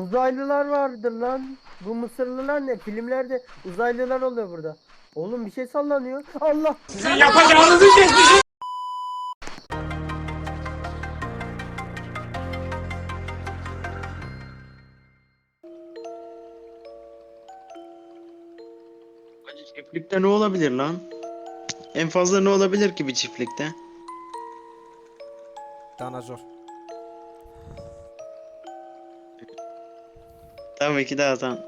Uzaylılar vardır lan. Bu Mısırlılar ne? Filmlerde uzaylılar oluyor burada. Oğlum bir şey sallanıyor. Allah! Sizin yapacağınızı şaşırın. Hacı çiftlikte ne olabilir lan? En fazla ne olabilir ki bir çiftlikte? Danazor. Tabii ki de Hasan.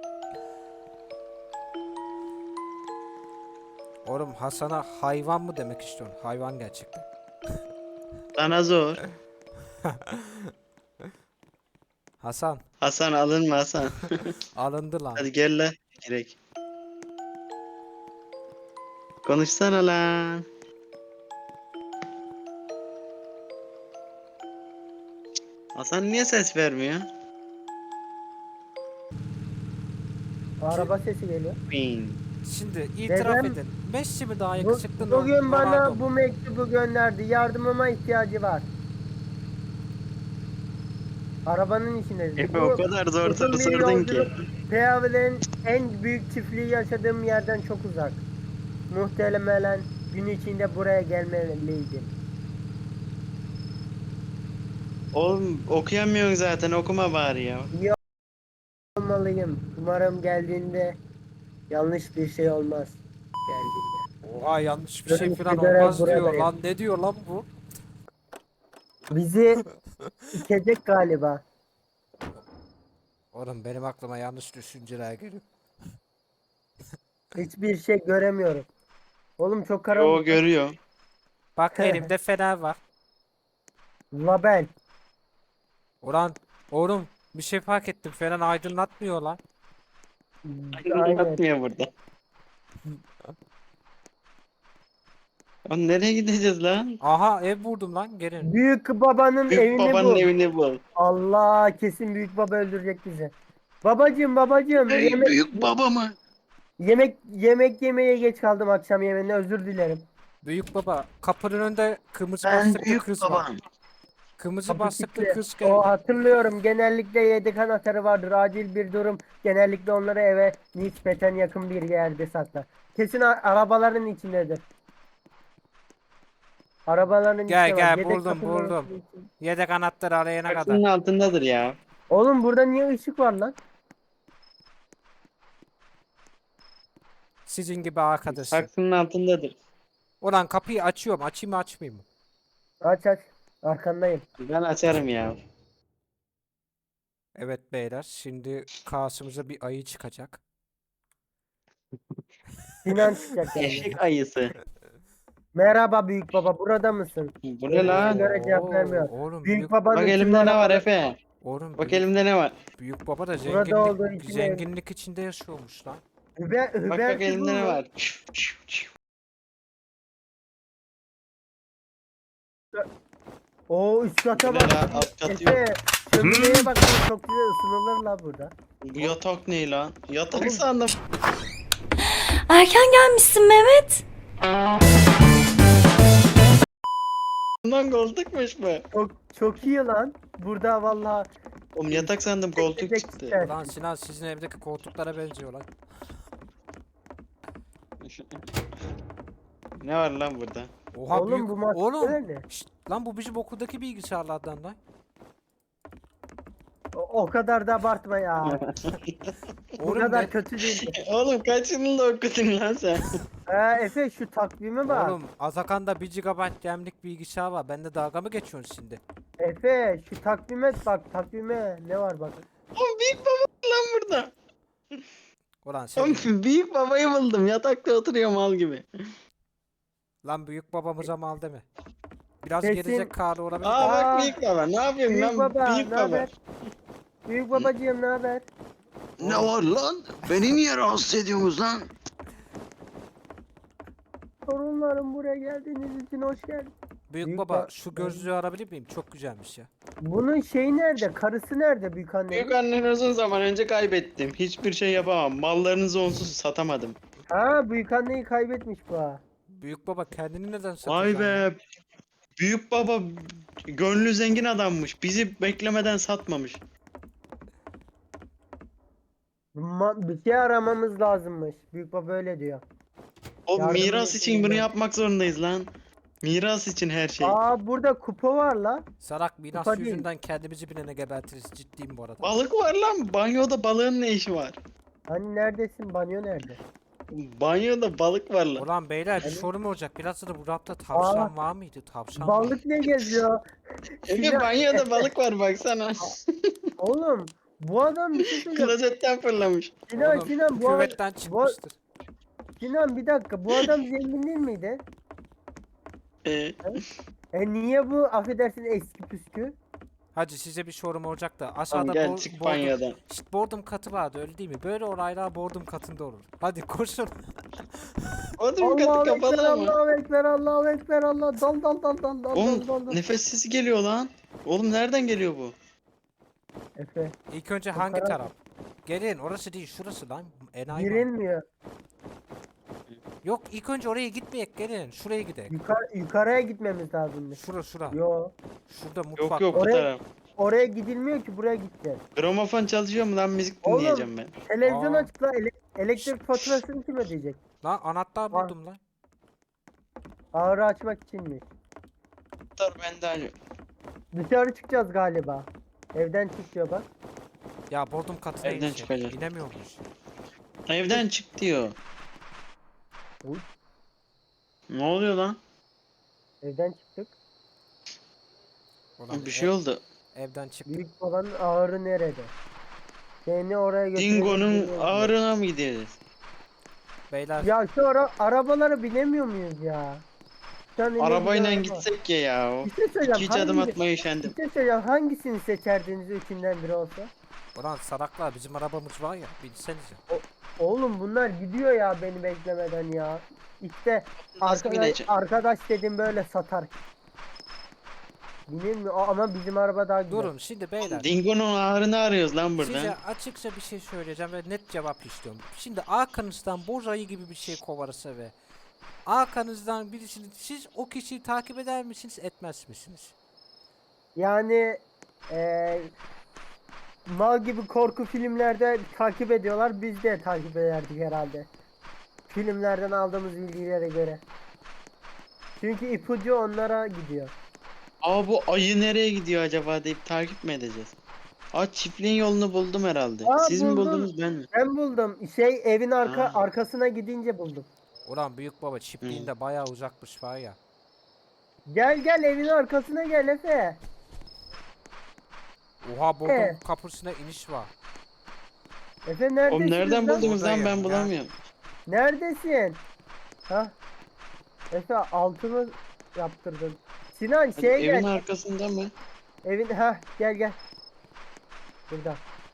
Oğlum Hasan'a hayvan mı demek istiyorsun? Hayvan gerçekten. Sana zor. Hasan Hasan alınma Hasan. alındı lan. Hadi gel lan. Gerek. Konuşsana lan. Hasan niye ses vermiyor? Araba sesi geliyor. Bing. Şimdi itiraf Dedem- edin. Messi mi daha Bu, yakışıklı bugün Ronaldo bana mu? bu mektubu gönderdi. Yardımıma ihtiyacı var. Arabanın içindeyiz. Efe o kadar zor uzun soru bir sordun ki. yolculuk. Peyavilerin en büyük çiftliği yaşadığım yerden çok uzak. Muhtemelen gün içinde buraya gelmeliydim. Oğlum okuyamıyorsun zaten, okuma bari ya. İyi olmalıyım. Umarım geldiğinde yanlış bir şey olmaz. Geldiğinde. Oha yanlış bir şey Görünüşe falan göre olmaz diyor buradayım. lan. Ne diyor lan bu? Bizi itecek galiba. Oğlum benim aklıma yanlış düşünceler geliyor. Hiçbir şey göremiyorum. Oğlum çok Yo karanlık. görüyor. Bak elimde fener var. Label. Ulan oğlum bir şey fark ettim. Fener aydınlatmıyor lan. Aynen. Atmıyor burada. Lan nereye gideceğiz lan? Aha ev vurdum lan gelin. Büyük babanın Büyük evini babanın bul. evini bul. Allah kesin büyük baba öldürecek bizi. Babacım Büyük baba mı? yemek yemeye geç kaldım akşam yemeğine özür dilerim. Büyük baba kapının önünde kırmızı Ben bastıklı büyük kız var. babam. Kırmızı Kapı bastıklı kilitli. kız O geldi. hatırlıyorum genellikle yedek anahtarı vardır acil bir durum. Genellikle onları eve nispeten yakın bir yerde saklar. Kesin arabaların içindedir. Arabaların Gel içinde var. gel Yedek buldum kapıların buldum. içinde. Yedek anahtarı arayana kadar. Saksının altındadır ya. Oğlum burada niye ışık var lan? Sizin gibi arkadaşım. Saksının altındadır. Ulan kapıyı açıyorum. Açayım mı açmayayım mı? Aç. Arkandayım. Ben açarım ya. Evet beyler. Şimdi karşımıza bir ayı çıkacak. Sinan çıkacak yani. Eşek ayısı. Merhaba büyük baba burada mısın? Bu ne lan? Göre cevap vermiyor. Oğlum Büyük babanın Bak tüm elimde ne var arabaları- Efe? Oğlum Bak büyük, elimde ne var? büyük baba da Burada olduğu için zenginlik içinde yaşıyormuş lan. Hüber, Bak Hüber bak elimde ne Figur mu? var? Oo üst kata Bu ne bak. lan? Alt katı yok. Efe şömineye bak çok güzel ısınılır la burada. Bu yatak ne lan? Yatak Oğlum. sandım. Erken gelmişsin Mehmet. Bundan koltukmuş bu. Çok iyi lan. Burada vallahi Oğlum yatak sandım, koltuk Tek çıktı. ister. Ulan Sinan sizin evdeki koltuklara benziyor lan. Ne var lan burada? Oha Oğlum büyük. bu masa Oğlum. nerede? Şşt, lan bu bizim okuldaki bilgisayarlardan lan. O kadar da abartma ya. Bu Oğlum kadar ben- kötü değil. Oğlum kaç yılında okudun lan sen? Efe şu takvime bak. Oğlum Azakan'da 1 GB RAM'lik bilgisayar var. Bende dalga mı geçiyorsun şimdi? Efe şu takvime bak takvime ne var bak. Oğlum büyük baba var lan burada. Ulan sen Oğlum büyük babayı buldum. Yatakta oturuyor mal gibi. lan büyük babamıza mal deme. Biraz Kesin- gelecek karı olabilir. Aa de. bak büyük baba. Ne yapıyorsun Büyük lan? baba Büyük ne baba. haber? Büyük babacığım ne haber? Ne var lan? Beni niye rahatsız ediyorsunuz lan? Torunlarım buraya geldiğiniz için hoş geldin. Büyük Büyük baba ba- şu gözlüğü alabilir miyim? Çok güzelmiş ya. Bunun şeyi nerede? Karısı nerede büyük anne? Büyük anneni uzun zaman önce kaybettim. Hiçbir şey yapamam. Mallarınızı onsuz satamadım. Ha büyük anneyi kaybetmiş bu ha. Büyük baba kendini neden Vay satacaksın? ya? be. Büyük baba gönlü zengin adammış. Bizi beklemeden satmamış. Bir şey aramamız lazımmış. Büyük baba öyle diyor. O Yardım miras edin için bunu ya. yapmak zorundayız lan. Miras için her şey. Burada kupa var la. Sarak miras Kupa değil. yüzünden kendimizi bilene gebertiriz. Ciddiyim bu arada. Balık var lan. Banyoda balığın ne işi var? Hani neredesin? Banyo nerede? Banyoda balık var lan. Ulan beyler bir sorun olacak. Biraz da bu rapta tavşan var mıydı? Tavşan var. Balık ne geziyor? Ege Sinan- banyoda balık var baksana. Oğlum bu adam bir şey söyleyeceğim. Klozetten fırlamış. Sinan Oğlum, Sinan bu adam, küvetten çıkmıştır. Sinan bir dakika bu adam zengin değil miydi? Ee, Niye bu affedersin eski püskü? Hacı size bir sorum olacak da tamam aşağıda gel çık banyodan. İşte boardum katı vardı öyle değil mi? Böyle olaylar boardum katında olur. Hadi koşun. Oğlum katı Allahu Ekber, kapalı ama. Allahu Ekber, Allahu Ekber, Allah dal dal dal dal dal Oğlum dal dal. nefes sesi geliyor lan. Oğlum nereden geliyor bu? Efe İlk önce Bu hangi karar- taraf? Gelin orası değil şurası lan. Enayi mi? girilmiyor. Yok ilk önce oraya gitmeyek gelin. Şuraya gidelim. Yukarıya gitmemiz lazım. Şura. Yo, Şurada Yok mutfak. yok bu Oraya- taraf. oraya gidilmiyor ki buraya gideceğiz. Gramofon çalışıyor mu lan müzik Oğlum. dinleyeceğim ben. Televizyon Aa. açık la elektrik faturasını kim ödeyecek? Lan anahtar buldum lan. Ağrı açmak içinmiş. Dur ben de hani. Dışarı çıkacağız galiba. Evden çık diyor bak. Ya boardum katına Evden inecek. çıkacağız. İnemiyormuş. Evden çık diyor. Uy. Ne oluyor lan? Evden çıktık. Ulan Bir şey oldu. evden çıktık. Büyük babanın ağrı nerede? Seni oraya götürelim. Dingo'nun bilmiyorum. ağrına mı gideceğiz? Beyler Ya şu arabalara binemiyor muyuz ya? Şu an elimizde Arabayla araba. gitsek ya. Bir şey söyleyeceğim. Hiç adım hangi- atmaya üşendim. Bir şey söyleyeceğim. Hangisini seçerdiniz üçünden biri olsa? ulan saraklar bizim arabamız var ya binsenize. Oğlum bunlar gidiyor ya beni beklemeden ya. İşte Nasıl bineceğim? arkadaş dedim böyle satar. Bilmiyorum ama bizim araba daha güzel. Durun şimdi beyler. Dingo'nun ağrını arıyoruz lan burada. Size açıkça bir şey söyleyeceğim ve net cevap istiyorum. Şimdi arkanızdan boz ayı gibi bir şey kovarsa ve arkanızdan birisini siz o kişiyi takip eder misiniz etmez misiniz? Yani mal gibi korku filmlerde takip ediyorlar. Biz de takip ederdik herhalde. Filmlerden aldığımız bilgilere göre. Çünkü ipucu onlara gidiyor. Aa bu ayı nereye gidiyor acaba deyip takip mi edeceğiz? Aa çiftliğin yolunu buldum herhalde. Aa, Siz mi buldum. buldunuz ben mi? Ben buldum. Evin Ha. arkasına gidince buldum. Ulan büyük baba çiftliğinde bayağı uzakmış var ya. Gel evin arkasına gel Efe. Oha boardum kapısına iniş var. Efe neredesin? Oğlum nereden buldunuz lan Buradayım ben ya. bulamıyorum. Neredesin? Ha? Efe altımı yaptırdın. Sinan Hadi gel. evin arkasında mı? Evin gel. Burada.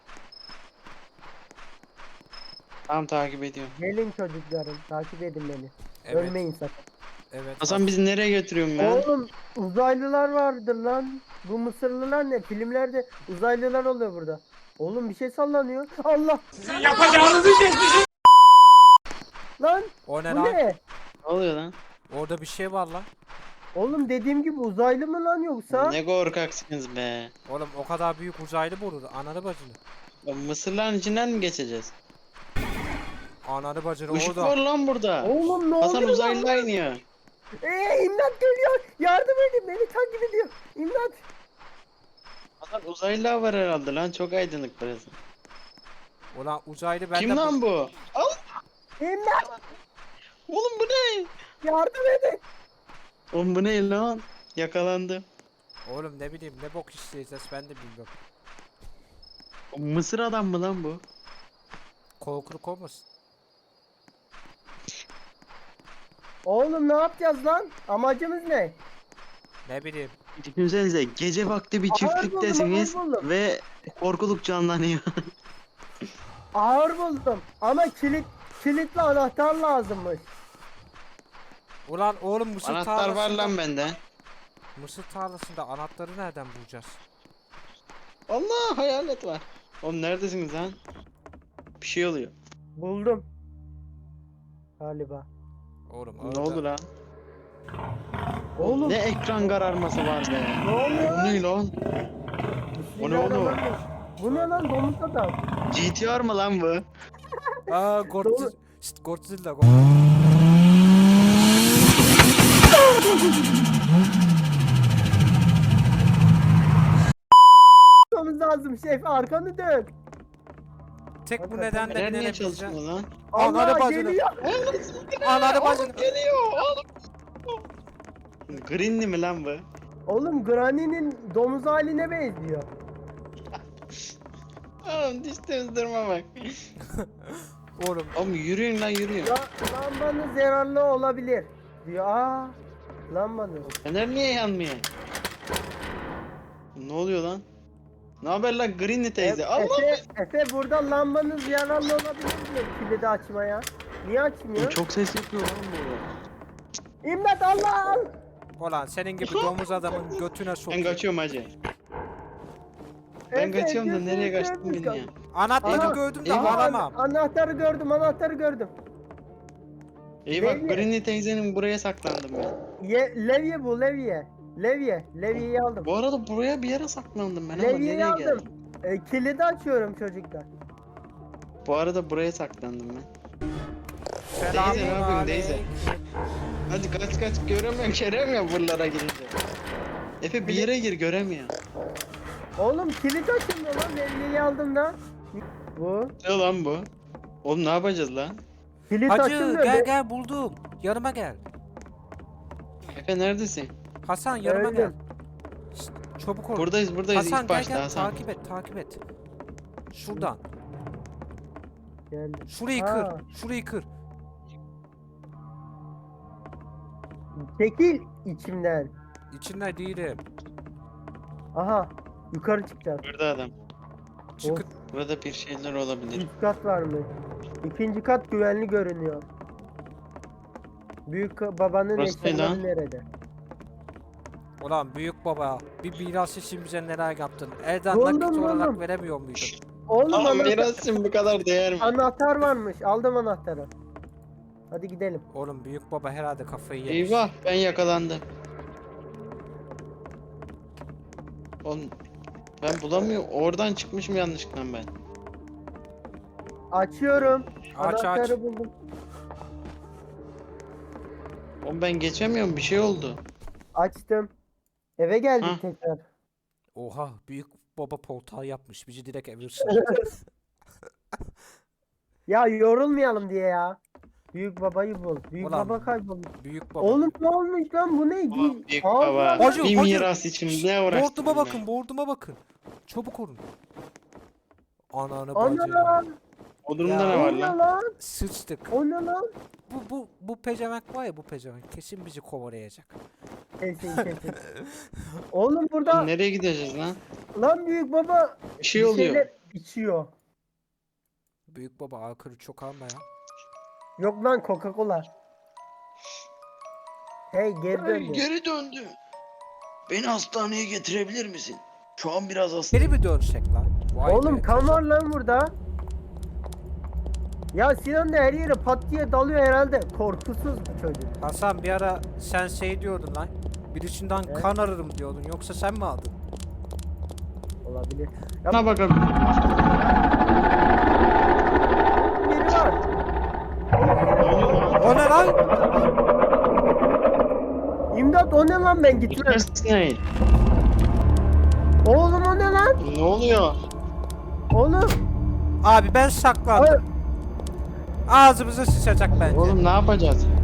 Tamam takip ediyorum. Gelin çocuklarım takip edin beni. Evet. Ölmeyin sakın. Evet. Hasan bizi nereye götürüyorsun lan? Oğlum uzaylılar vardır lan. Bu Mısırlılar ne? Filmlerde uzaylılar oluyor burada. Oğlum bir şey sallanıyor. Allah Yapacağınızı şaşırın. lan O ne bu lan? ne? Ne oluyor lan? Orada bir şey var lan. Oğlum dediğim gibi uzaylı mı lan yoksa? Ne korkaksınız be. Oğlum o kadar büyük uzaylı mı olur? Ananı bacını. Ya Mısırların içinden mi geçeceğiz? Ananı bacını Işık orada. var lan burada. Oğlum ne Hasan oluyor uzaylılar iniyor. İmdat geliyor. Yardım edin beni takip ediyor. İmdat. Hasan uzaylılar var herhalde lan çok aydınlık burası. Ulan uzaylı ben Kim de lan bu? Al. İmdat. Oğlum bu ne? Yardım edin. Oğlum bu ne lan? Yakalandı. Oğlum ne bileyim ne bok isteyeceğiz ben de bilmiyorum. O Mısır adam mı lan bu? Korkuluk olmasın. Oğlum ne yapacağız lan? Amacımız ne? Ne bileyim. Düşünsenize gece vakti bir Ağır çiftliktesiniz buldum, ağır buldum. ve korkuluk canlanıyor. Ağır buldum. Ama kilitli anahtar lazımmış. Ulan oğlum mısır Anahtar var tarlasında. lan bende. Mısır tarlasında anahtarı nereden bulacağız? Allah hayalet var. Oğlum neredesiniz lan? Bir şey oluyor. Buldum. Galiba. Oğlum Ne oldu lan? Oğlum Ne ekran kararması var be. ne oluyor Bu lan? ne lan? O ne oğlum? Bu ne lan domuz adam? GTR mı lan bu? Aa Godzilla. Doğru. Şşt, Godzilla. Yapmamız lazım şef, arkanı dön. Tek bu Hakikaten. nedenle Fener niye binebileceğim. çalışmıyor lan? Ananı Allah bacını. geliyor. Ananı bacını. Geliyor oğlum. Greenli mi lan bu? Oğlum Granny'nin domuz haline benziyor. Oğlum diş temizdirme bak. Oğlum Oğlum yürüyün lan yürüyün. Lambanız yararlı olabilir diyor. Aa, lambanız. Fener niye yanmıyor? Ne oluyor lan? Ne haber lan Greenli teyze? Allah! Efe burada lambanız yararlı olabilir diyor kilidi açmaya. Niye açmıyor? Çok ses yapıyor lan bu. İmdat Allah! ulan senin gibi domuz adamın götüne Ben sokayım. kaçıyorum hacı. Ben Efe, kaçıyorum da nereye gözünü kaçtın seveyim beni ya? Anahtarı Ana- gördüm de Eyvah. alamam. Anahtarı gördüm. Eyvah Levye. Greenli teyzenin buraya saklandım ben. Levye bu levye. Levyeyi aldım. Bu arada buraya bir yere saklandım ben ama Levyeyi nereye aldım. geldim? Kilidi açıyorum çocuklar. Bu arada buraya saklandım ben. Selamun Teyze, ne yapıyorsun aleyküm. teyze? Hadi kaç göremiyorum buralara girince. Efe bir yere gir göremiyor. Oğlum kilit açılmıyor lan, levyeyi aldım da. Bu. Ne lan bu? Oğlum ne yapacağız lan? Kilit Hacı açılmıyor. gel buldum. Yanıma gel. Efe neredesin? Hasan yanıma Öldüm. gel. Şşt, çabuk ol. Buradayız Hasan ilk gel başta gel Hasan. takip et. Şuradan. Geldim. Şurayı Aa. kır. Şurayı kır. Çekil içimden. İçinde değilim. Aha. Yukarı çıkacağız. Burada adam. Çıkın. Burada bir şeyler olabilir. Üst kat var mı? İkinci kat güvenli görünüyor. Büyük babanın Burası ne eşyaları lan? nerede? Ulan büyük baba bir miras için bize neler yaptın? Elden Buldum, nakit olarak buldum. veremiyor muydun? Oğlum Ama anahtar, mirasın bu kadar değer mi? anahtar varmış. Aldım anahtarı. Hadi gidelim. Oğlum büyük baba herhalde kafayı yemiş. Eyvah ben yakalandım. Oğlum ben bulamıyorum. Oradan çıkmışım yanlışlıkla ben. Açıyorum. Aç. Anahtarı buldum. Oğlum ben geçemiyorum bir şey oldu. Açtım. Eve geldik Hah. tekrar. Oha büyük baba poltağı yapmış. Bizi direkt evirsin. Ya yorulmayalım diye ya. Büyük babayı bul. Büyük Ulan, baba kaybolmuş. büyük baba. Oğlum ne olmuş lan, bu ne? Ulan büyük Allah baba. Allah. Hacı, Bir hacı. miras için ne uğraştın? Boarduma ben? bakın, boarduma bakın. Çabuk olun. Ananı Ana bacını. lan. Bodrumda Ya. ne O var ne lan? lan? Sıçtık. O ne lan? Bu pezevenk var ya, bu pezevenk kesin bizi kovalayacak. Kesin. Oğlum burada Oğlum nereye gideceğiz lan? lan büyük baba Bir şey bir oluyor. şeyler içiyor. Büyük baba alkolü çok alma ya. Yok lan, Coca-Cola. Hey, geri Ay, döndü. geri döndü. Beni hastaneye getirebilir misin? Şu an biraz hastayım. Geri mi dönsek lan? Vay Oğlum be, kan var lan burada. Ya Sinan da her yere pat diye dalıyor herhalde. Korkusuz bu çocuk. Hasan bir ara sen şey diyordun lan. Birisinden Evet. kan ararım diyordun. Yoksa sen mi aldın? Olabilir. Bana bakalım. Biri var. O ne lan? İmdat, o ne lan, ben gitmem. Gitmesin. Oğlum o ne lan? Ne oluyor? Oğlum. Abi ben saklandım. Ağzımıza sıçacak bence. Oğlum ne yapacağız?